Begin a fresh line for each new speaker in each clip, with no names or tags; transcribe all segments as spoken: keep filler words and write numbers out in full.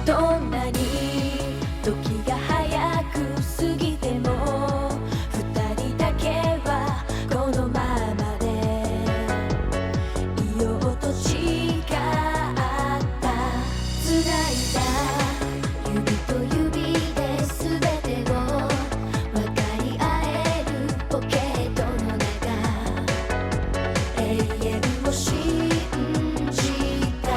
どんなに時が早く過ぎても二人だけはこのままでいようと誓った繋いだ指と指で全てを分かり合えるポケットの中永遠を信じた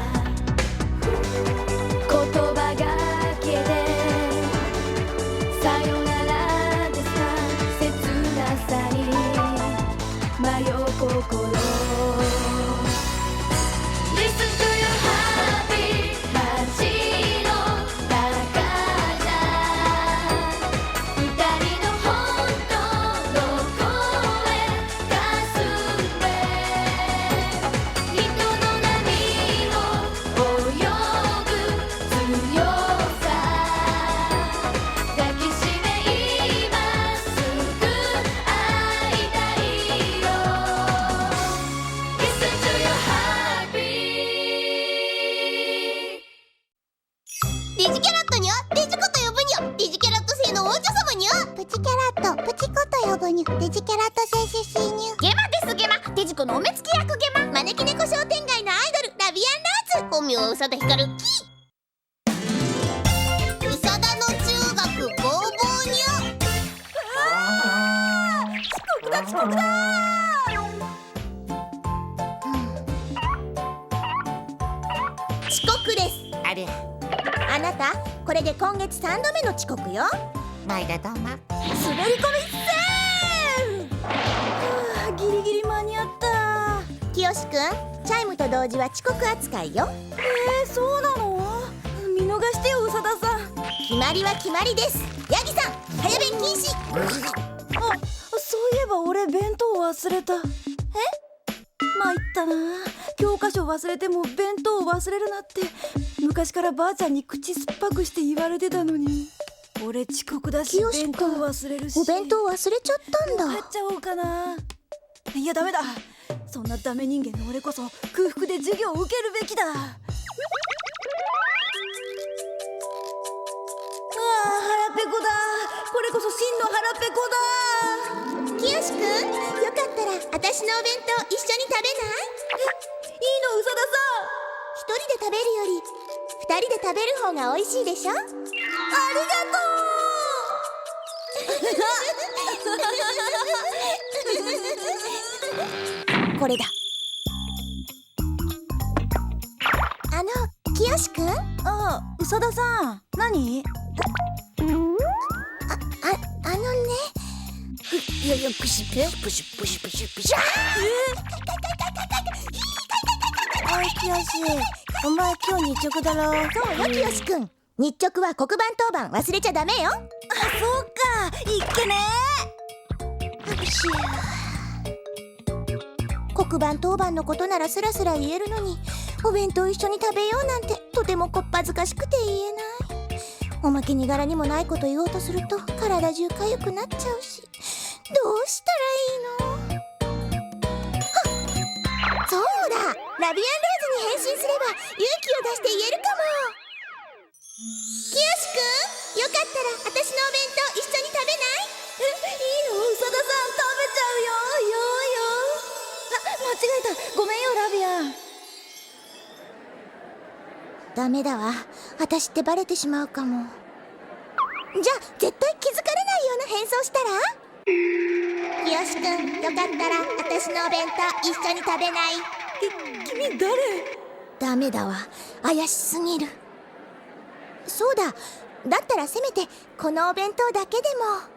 言葉がけでさよならでさ切なさに迷う心 Listen to your heartbeat 街の中じゃ二人の本当の声かすれ人の波を泳ぐ強さ抱きしめ今すぐ会いたいよ Listen to your heartbeat
デジキャラットにゃデジコと呼ぶにゃデジキャラット星の王女様にゃプチキャラットプチコと呼ぶにゃデジキャラット星出身にゃゲマですゲマデジコのお目付け役ゲマ招き猫商店街のアイドルラビアンローズ本名は宇佐田ヒカルキ宇佐田の中学ボーボーにゃ遅刻だ遅刻だ遅刻です
あれ、
あなたこれで今月さんどめの遅刻よ
毎度どうも。
滑り込みセーフはあギリギリ間に合ったきよしくんチャイムと同時は遅刻扱いよえー、そうなの見逃してよ宇佐田さん決まりは決まりですヤギさん早弁禁止あ、そういえば俺弁当忘れたえ参ったな教科書忘れても弁当を忘れるなって昔からばあちゃんに口酸っぱくして言われてたのに俺遅刻だし
清
弁当忘れるし
お弁当忘れちゃったんだ。
買っちゃおうかないやダメだそんなダメ人間の俺こそ空腹で授業を受けるべきだああ腹ペコだこれこそ真の腹ペコだ
きよしくん、よかったら私のお弁当一緒に食べない？
いいの宇佐田
一人で食べるより二人で食べる方が美味しいでしょ？
さんありがとう
これだ。あの、きよしくん？あ、
あ、宇佐田さん何
あ、あのね。
いやいや、プシプシプシプシプシプシ。
おいきよし、お前今日日直だろ。そうよきよしくん。日直は黒板当番忘れちゃダメよ。
あ、そうかいっけね
黒板当番のことならスラスラ言えるのに、お弁当一緒に食べようなんてとてもこっぱずかしくて言えない。おまけに柄にもないこと言おうとすると体中かゆくなっちゃうし、どうしたらいいの？はっ、そうだ、ラビアンローズに変身すれば勇気を出して言えるかも。きよしくん、よかったら私のお弁当一緒に食べない？
え、いいの宇佐田さん食べちゃうよよーよーあ、間違えたごめんよラビアン
ダメだわ、私ってバレてしまうかも。じゃあ絶対気づかれないような変装したら？きよしくん、よかったら私のお弁当一緒に食べない？
え、君誰？
ダメだわ、怪しすぎる。そうだ、だったらせめてこのお弁当だけでも。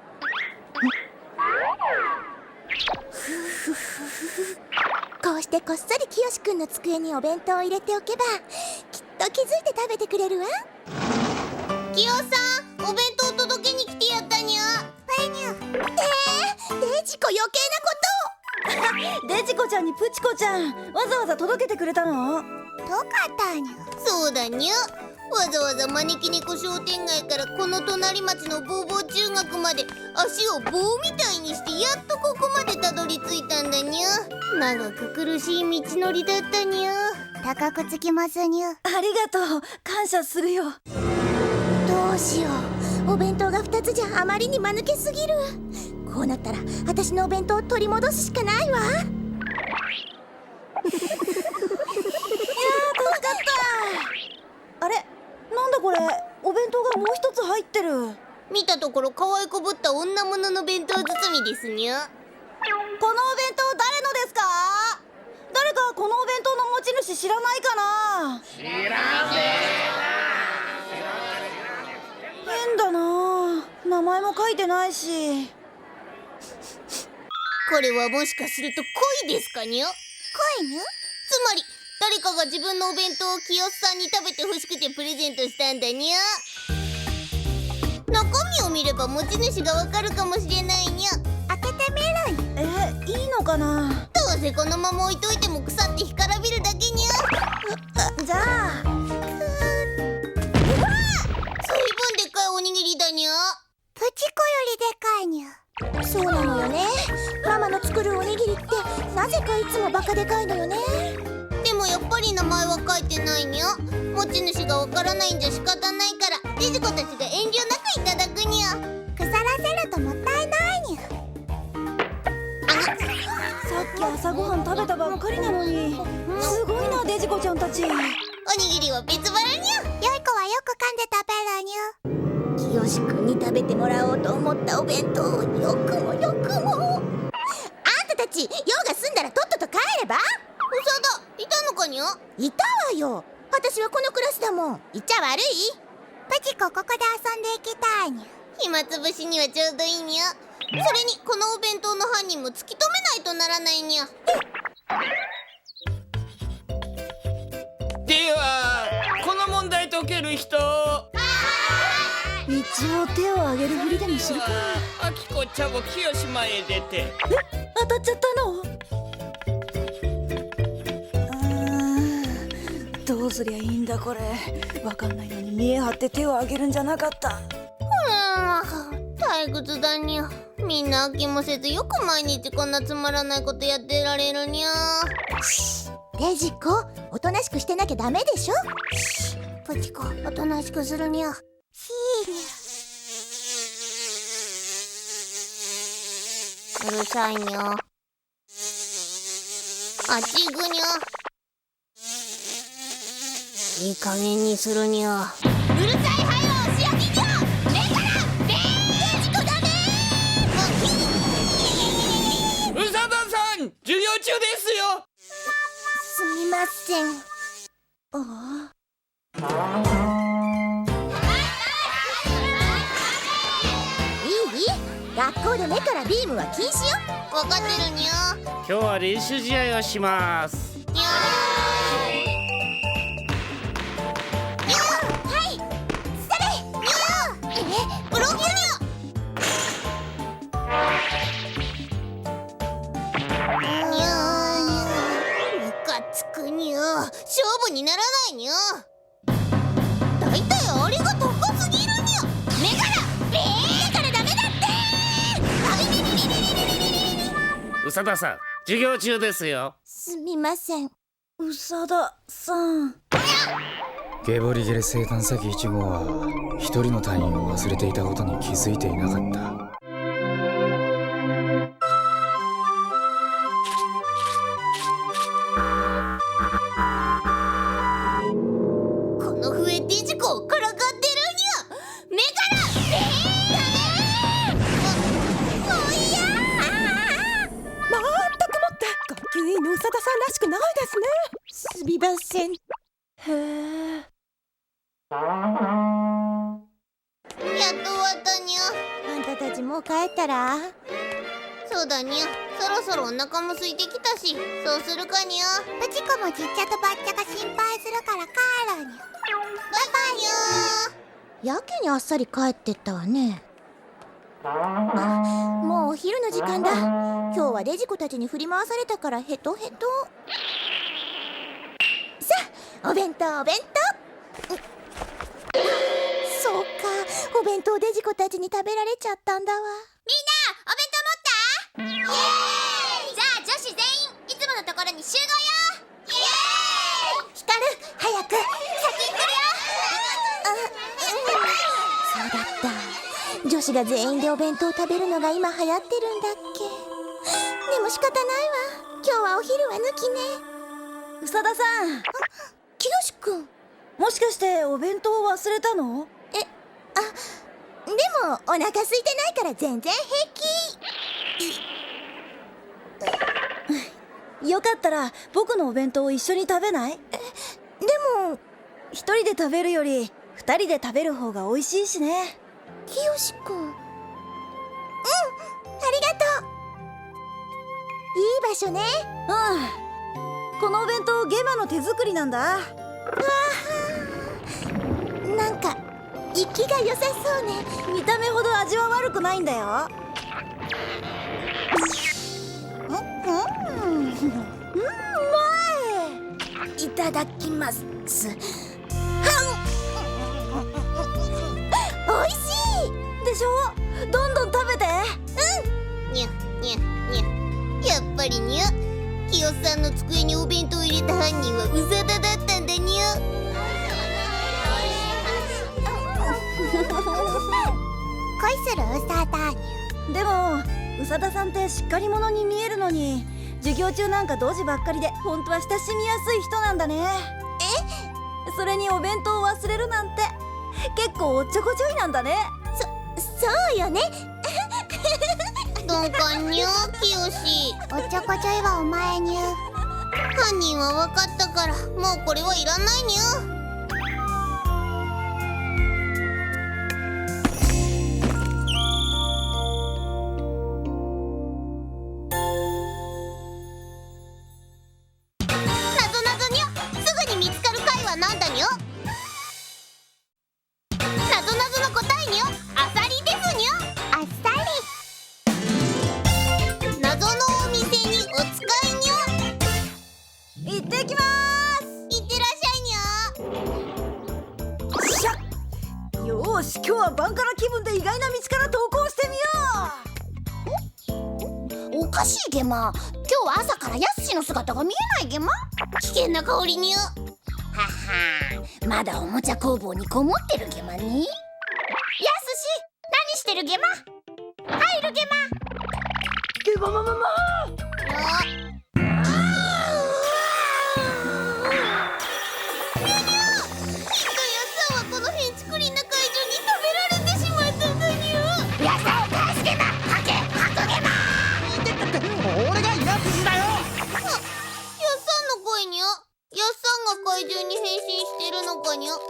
ふふふこうしてこっそりきよしくんの机にお弁当を入れておけばきっと気づいて食べてくれるわ。
きよさんお弁当届けに来てやったにゃ
はいにゃ。えー、デジコ余計なこと
デジコちゃんにプチコちゃんわざわざ届けてくれたの？
とかたにゃ。
そうだにゃわざわざ招き猫商店街からこの隣町のボーボー中学まで足を棒みたいにしてやっとここまでたどり着いたんだにゃ。長く苦しい道のりだったにゃ。 高くつきますにゅ。
ありがとう、感謝するよ。
どうしよう、お弁当がふたつじゃあまりに間抜けすぎる。こうなったら私のお弁当を取り戻すしかないわ。いやー、助かった。あれ、なんだこれ、お弁当がもう一つ入ってる。
見たところ可愛こぶった女物の弁当包みですにゅ。
このお弁当誰のですか？誰かこのお弁当の持ち主知らないかな？知らねえな。変だな、名前も書いてないし。
これはもしかすると恋ですかにゅ。
恋にゅ。
つまり誰かが自分のお弁当を清さんに食べてほしくてプレゼントしたんだにゅ。中身を見れば持ち主がわかるかもしれないにゅ。
開けてみるん。
え、いいのかな？
どうせこのまま置いといても腐って干からびるだけにゅ。
じゃあ、
随分でっかいおにぎりだにゅ。
プチコよりでかいにゅ。そうなのよね。ママの作るおにぎりってなぜかいつもバカでかいのよね。
でもやっぱり名前は書いてないにゅ。持ち主がわからないんじゃ仕方ないからデジコたちが遠慮なくいただくにゅ。
腐らせるともったいないにゅ。
さっき朝ごはん食べたばっかりなのに、すごいな、デジコちゃんたち。
おにぎりは別腹にゅ。
よい子はよく噛んで食べるにゅ。清くんに食べてもらおうと思ったお弁当をよくもよくも。あんたたち用が済んだらとっとと帰れば。
うさだ、いたのかにゅ。
いたわよ。私はこのクラスだもん。言っちゃ悪い？プチコここで遊んでいきたいにゅ。
暇つぶしにはちょうどいいにゅ。それにこのお弁当の犯人も突き止めないとならないにゅ。
ではこの問題解ける人？
一応手を挙げるふりでもするか。
あきこちゃぼきよし前へ出て。
当たっちゃったの？うーん、どうすりゃいいんだこれ。わかんないのに見え張って手を挙げるんじゃなかった。
うーん、退屈だにゅ。みんな飽きもせずよく毎日こんなつまらないことやってられるにゅ。
デジコ、おとなしくしてなきゃダメでしょ。プチコ、おとなしくするにゃ。ひーに
うるさいにゅ。あっち行くにゅ。いい加減にするにゅ。うるさいはよ、仕上げにゅ。目からベーン。デジコダメー。
うさださん、授業中ですよ。
すみません。ああ。いい？学校で目からビームは禁止よ。
わかってるにゅ。
今日は練習試合をします。
にゅー。
はい。それ。
にゅー。え、ブロックにゅ。にゅー。ムカつくにゅ。勝負にならないにゅ。だいたいあれが高すぎるにゅ。目からベーン。目からダメだってー。
うさださん、授業中ですよ。
すみません。
うさださん。
ゲボリゲレ生誕先いち号は一人の隊員を忘れていたことに気づいていなかった。
この笛デジコをからかってるにゅ。目からベーン。もういやー。
まったくもって学級委員のうさださんらしくないですね。
すみません。
へえ。
やっと終わったにゅ。
あんたたちもう帰ったら？
そうだにゅ。そろそろお腹も空いてきたし、そうするかにゅ。
プチコもちっちゃとばっちゃが心配するから帰るにゅ。
バイバイにゅ。
やけにあっさり帰ってったわね。もうお昼の時間だ。今日はデジコたちに振り回されたからヘトヘト。さあ、お弁当お弁当。そうか、お弁当デジコたちに食べられちゃったんだわ。
みんな、お弁当持った？イエーイ。じゃあ女子全員いつものところに集合よ。イエーイ。一
そうだった。女子が全員でお弁当を食べるのが今流行ってるんだっけ。でも仕方ないわ。今日はお昼は抜きね。
宇佐田さん、
きよしくん。
もしかしてお弁当を忘れたの？
え、あ、でもお腹空いてないから全然平
気。よかったら僕のお弁当を一緒に食べない？
でも
一人で食べるより二人で食べる方が美味しいしね。
きよしくん。うん、ありがとう。いい場所ね。
うん、このお弁当ゲマの手作りなんだ。
なんか息が良さそうね。
見た目ほど味は悪くないんだよ。
うん、うん、うまい。
いただきます。
おいしい
でしょ。どんどん食べて。
にゃにゃにゃ。やっぱりにゃ。きよさんの机にお弁当を入れた犯人はうざだだったんだにゃ。
恋するウサダニ
でも宇佐田さんってしっかり者に見えるのに、授業中なんかドジばっかりで本当は親しみやすい人なんだね。え？それにお弁当を忘れるなんて結構おっちょこちょいなんだね。
そ、そうよね。
どんかんにゃきよし。
おっちょこちょいはお前にゅ。
犯人は分かったからもうこれはいらないにゃ。なんだにゃ。なぞなぞの答えにゃ、あさりですにゃ。
あっさ
り。謎のお店にお使いにゃ。
行ってきまーす。
いってらっしゃいにゃ。
しゃ。よーし、今日はバンカラ気分で意外な道から投稿してみよ
おかしいゲマ。今日は朝からヤスシの姿が見えないゲマ。
危険な香りにゃ。
ははー、まだおもちゃ工房にこもってるゲマに。ヤスシ、何してるゲマ。入るゲマ。
ゲママママ。
怪獣に変身してるのかにゃ。もしか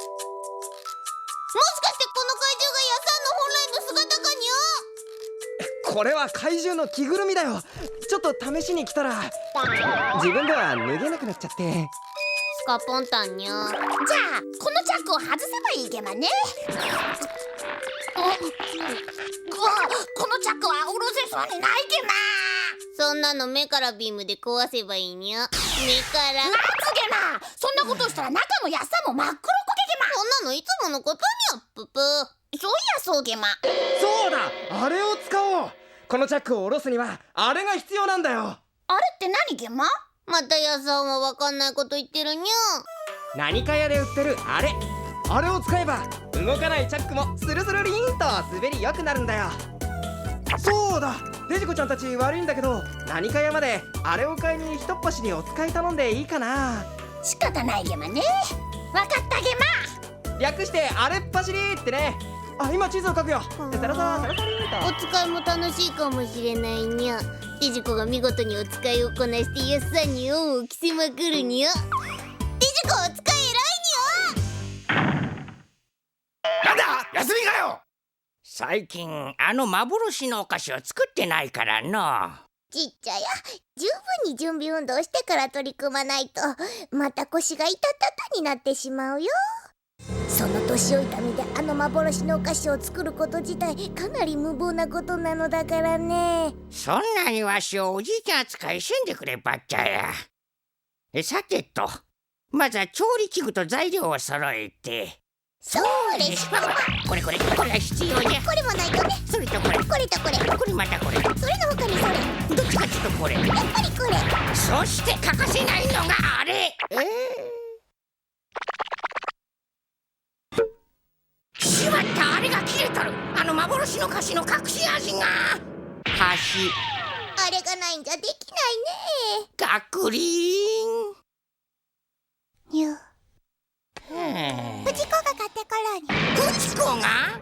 してこの怪獣がヤサンの本来の姿かにゃ。
これは怪獣の着ぐるみだよ。ちょっと試しに来たら自分では脱げなくなっちゃって。
スカポンタンにゃ。
じゃあこのチャックを外せばいいゲマね。うわ、このチャックは下ろせそうにないゲマ。
そんなの目からビームで壊せばいいにゃ。目から
なんつゲマ。そんなことしたら中のヤッサも真っ黒こけゲマ。
そんなのいつものことにゃ。ププ。
そういやそうゲマ。
そうだ、あれを使おう。このチャックを下ろすにはあれが必要なんだよ。
あれって何ゲマ。
またヤサンはわかんないこと言ってるにゃ。
何か屋で売ってるあれあれを使えば動かないチャックもスルスルリーンと滑り良くなるんだよ。そうだ、デジコちゃんたち悪いんだけど、何か屋まであれを買いにひとっ走りお使い頼んでいいかな。
仕方ないゲマね。わかったゲマ。
略してあれっ走りってね。あ、今地図を書くよ。サラサラサラサリーと。
お使いも楽しいかもしれないにゃ。デジコが見事にお使いをこなしてヤッサンに恩を着せまくるにゃ。デジコお使い偉いにゃ。
なんだ休みかよ。最近あの幻のお菓子を作ってないからの。
ちっちゃや、十分に準備運動してから取り組まないとまた腰が痛たたになってしまうよ。その年老いた身であの幻のお菓子を作ること自体かなり無謀なことなのだからね。
そんなにわしをおじいちゃん扱いせんでくればっちゃや。えさてと、まずは調理器具と材料を揃えて。
そうです
これこれこれが必要じゃ。
これもないとね。
それとこれ
これとこれ、
これまたこれ、
それの他にそれ、
どっちかっていうとこれ、
やっぱりこれ。
そして欠かせないのがあれ。えーしまった、あれ鎖が切れとる。あの幻の菓子の隠し味が。箸。
あれがないんじゃできないね。
ガクリーン。
にゅ
はあ
プチコが買ってこらにゅ。
プチコが？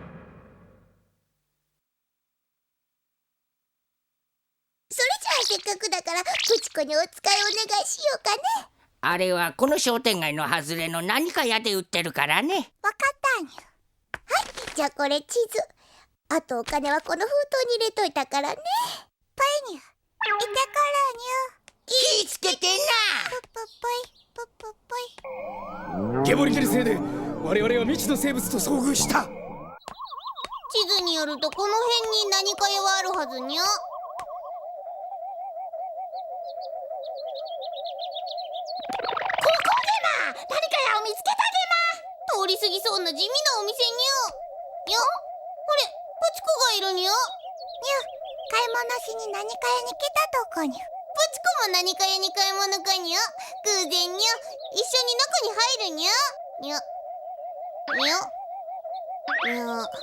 それじゃあせっかくだからプチコにお使いお願いしようかね。
あれはこの商店街の外れの何か屋で売ってるからね。
わかったにゅ。はい、じゃあこれ地図。あとお金はこの封筒に入れといたからね。ぽいにゅ。いてこらにゅ。
気ぃつけてな。
ぷっぷっぽいぷっぷっぽい。
ゲボリゲル星で我々は未知の生物と遭遇した。
地図によるとこの辺に何か屋はあるはずにゃ。何か屋を見つけたゲマ。通り過ぎそうな地味なお店にゃ。にゃ、あれ、プチコがいるにゃ。にゃ、
買い物しに何か屋に来たとこにゅ。
プチコも何か屋に買い物かにゃ。偶然にゃ。一緒に中に入るにゃ。にゃ。にゃ。にゃ。
なんか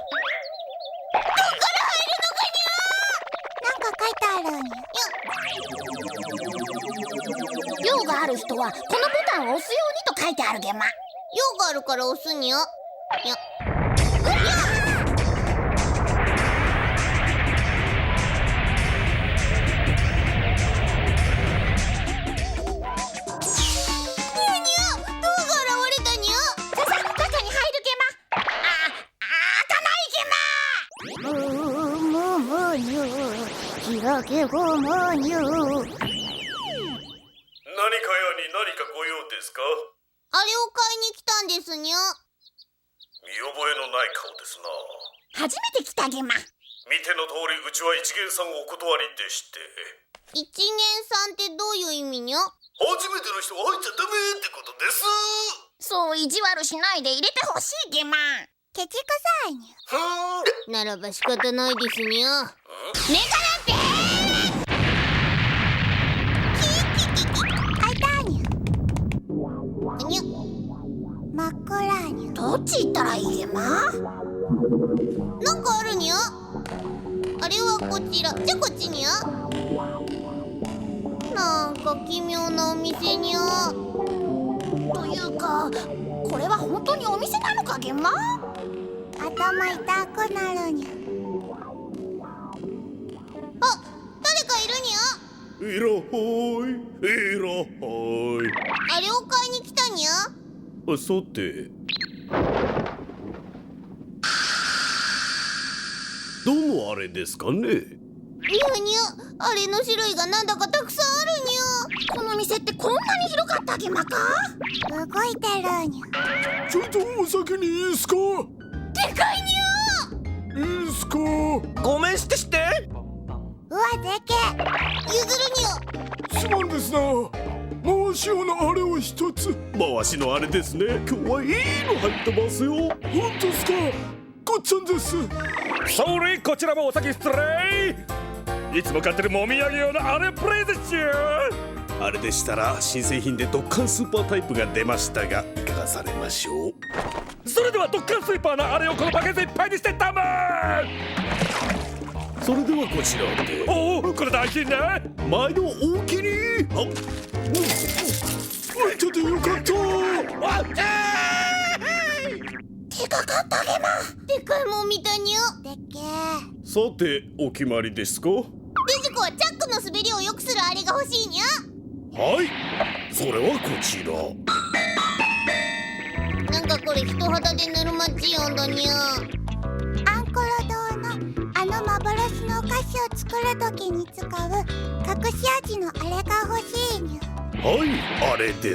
書いてあるにゅ。
用がある人はこのボタンを押すようにと書いてあるゲマ。
用があるから押すにゃ。にゃ。
開けごまにゅ。
何か屋に何かご用ですか？
あれを買いに来たんですにゃ。
見覚えのない顔ですな。
初めて来たゲマ。
見ての通りうちは一元さんお断りでして。
一元さんってどういう意味にゃ？
初めての人は入っちゃダメってことです。
そう意地悪しないで入れてほしいゲマ。
ケチくさいにゅ。
ふーん。
ならば仕方ないですにゃ。
メガなんて
開いたにゅ。
にゃ。
真っ暗にゅ。
どっち行ったらいいゲマ？
なんかあるにゃ。あれはこちら。じゃあこっちにゃ。なんか奇妙なお店にゃ。
というかこれは本当にお店なのかゲマ？
頭痛くなるにゅ。
あ、誰かいるにゃ。
いらっほい、いらっほい。
あれを買いに来たにゃ。
さて、どのあれですかね？
にゃにゃ、あれの種類がなんだかたくさんあるにゃ。
この店ってこんなに広かったゲマか？
動いてるにゅ。
ちょっとお先にいいっすか？
でかいにゃ。
いいっすか？
ごめんしてして。
うわでけ
譲るにゃ。
すまんですな。回し用のあれを一つ。回しのあれですね。今日はいいの入ってますよ。本当ですか？こっちゃんです。
それこちらもお先失礼。いつも買ってるもみあげ用のあれプレゼントよ。
あれでしたら新製品でドッカンスーパータイプが出ましたが、いかがされましょう？
それではドッカンスーパーのあれをこのバケツいっぱいにしてたまー。
それではこちらで。
おお、これ大金ね。
毎度おおきに。あ、うん、開いててよかった。
わっ
でかかったゲマ。
でかいもん見たにゃ。
でけ
さてお決まりですか？
デジコはチャックの滑りを良くするあれが欲しいにゃ。
はい、それはこちら。
なんかこれ人肌で塗るマッチヨンだにゃ。
アンコロ堂のあの幻のお菓子を作るときに使う隠し味のあれが欲しいにゅ。
はい、あれです。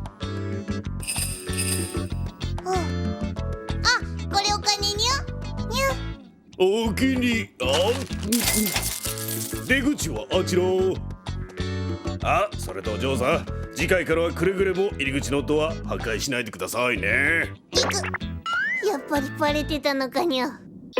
おう
あ、これお金にゃ。
にゅ。
おおきに。あ、出口はあちら。あ、それとお嬢さん、次回からはくれぐれも入り口のドア破壊しないでくださいね。
いく。やっぱりバレてたのかにゃ。帰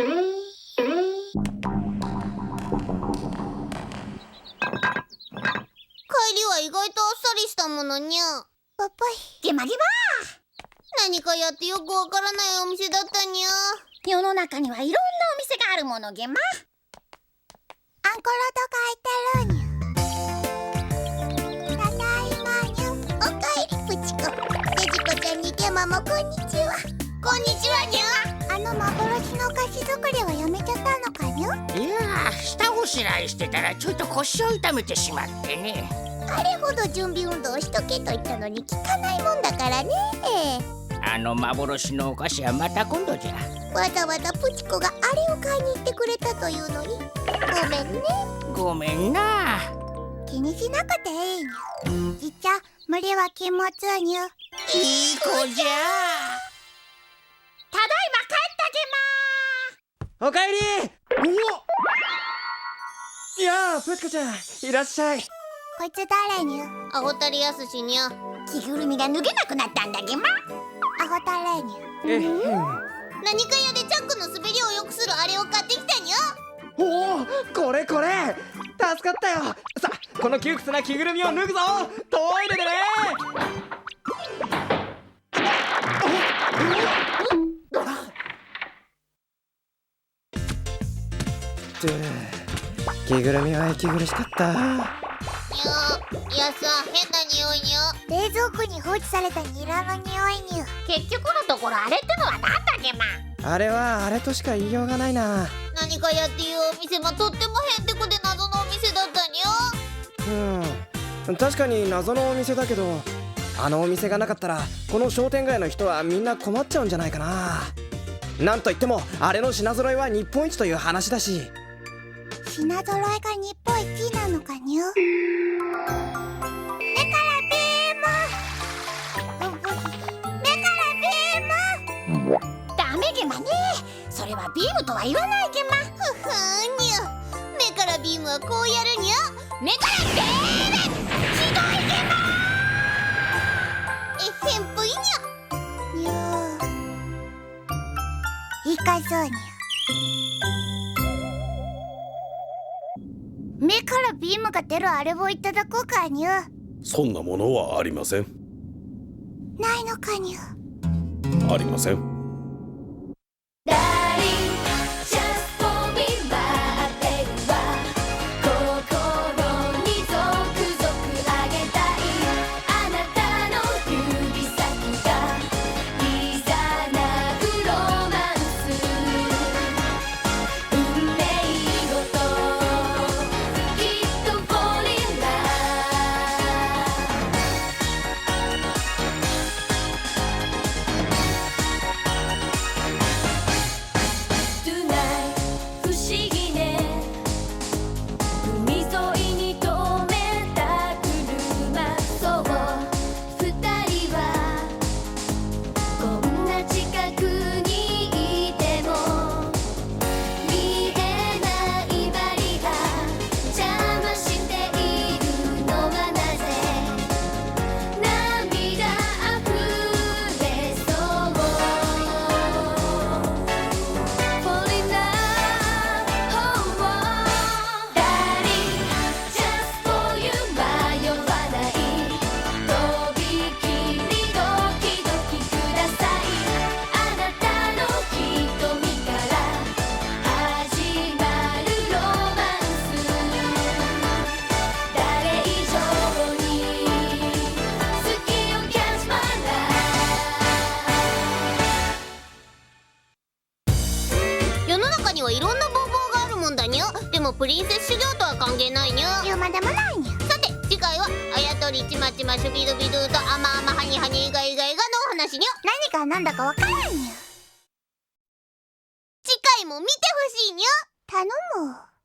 りは意外とあっさりしたものにゃ。
ぽっぽい。
ゲマゲマ。
何かやってよくわからないお店だったにゃ。
世の中にはいろんなお店があるものげま。
アンコロと書いてるにゅ。ただいまにゅ。おかえりプチコ。デジコちゃんにゲマもこんにちは。
こんにちはにゃ。
あの幻のお菓子作りはやめちゃったのかにゅ。
いやー、下ごしらえしてたらちょっと腰を痛めてしまってね。
あれほど準備運動をしとけと言ったのに聞かないもんだからね。
あの幻のお菓子はまた今度じゃ。
わざわざプチコがあれを買いに行ってくれたというのにごめんね。
ごめんな。
気にしなくていいにゅ。じっちゃ無理は禁物にゅ。
いい子じゃ。
ただいま帰ったげま。
おかえり。おいやあ、プチコちゃんいらっしゃい。
こいつ誰にゅ。
アホタリアスしにゃ。
着ぐるみが脱げなくなったんだげま。
アホタレにゅ。
えへん。
何か屋でチャックの滑りを良くするあれを買ってきたにゃ。
おお、これこれ助かったよ。さあ、この窮屈な着ぐるみを脱ぐぞ。トイレでね。着ぐるみは息苦しかった。
にゃ。いやさ、変な匂いにゃ。
冷蔵庫に放置されたニラの匂いにゅ。
結局のところあれってのはなんだげま。
あれはあれとしか言いようがないな。
何かやっていうお店もとってもへんてこで謎のお店だったにゃ。
うん、確かに謎のお店だけど、あのお店がなかったらこの商店街の人はみんな困っちゃうんじゃないかな。なんといってもあれの品揃えは日本一という話だし。
品揃えが日本一なのかにゅ。目からビーム。目からビーム。
ダメげまね。それはビームとは言わないげま。
ふふーにゃ。目からビームはこうやるにゃ。
目からビーム。ひどいげま。
えへんぷいにゃ。
にゅ。いかそうにゅ。目からビームが出るあれをいただこうかにゅ。
そんなものはありません。
ないのかにゅ。
ありません。
いろんな方法があるもんだにゃ。でもプリンセス修行とは関係ないにゃ。
言うまでもないにゃ。
さて次回はあやとりちまちまシュビドビドゥとあまあまはにはにがいがいがのお話にゃ。
何が何だかわからんにゃ。
次回も見てほしいにゃ。
頼む。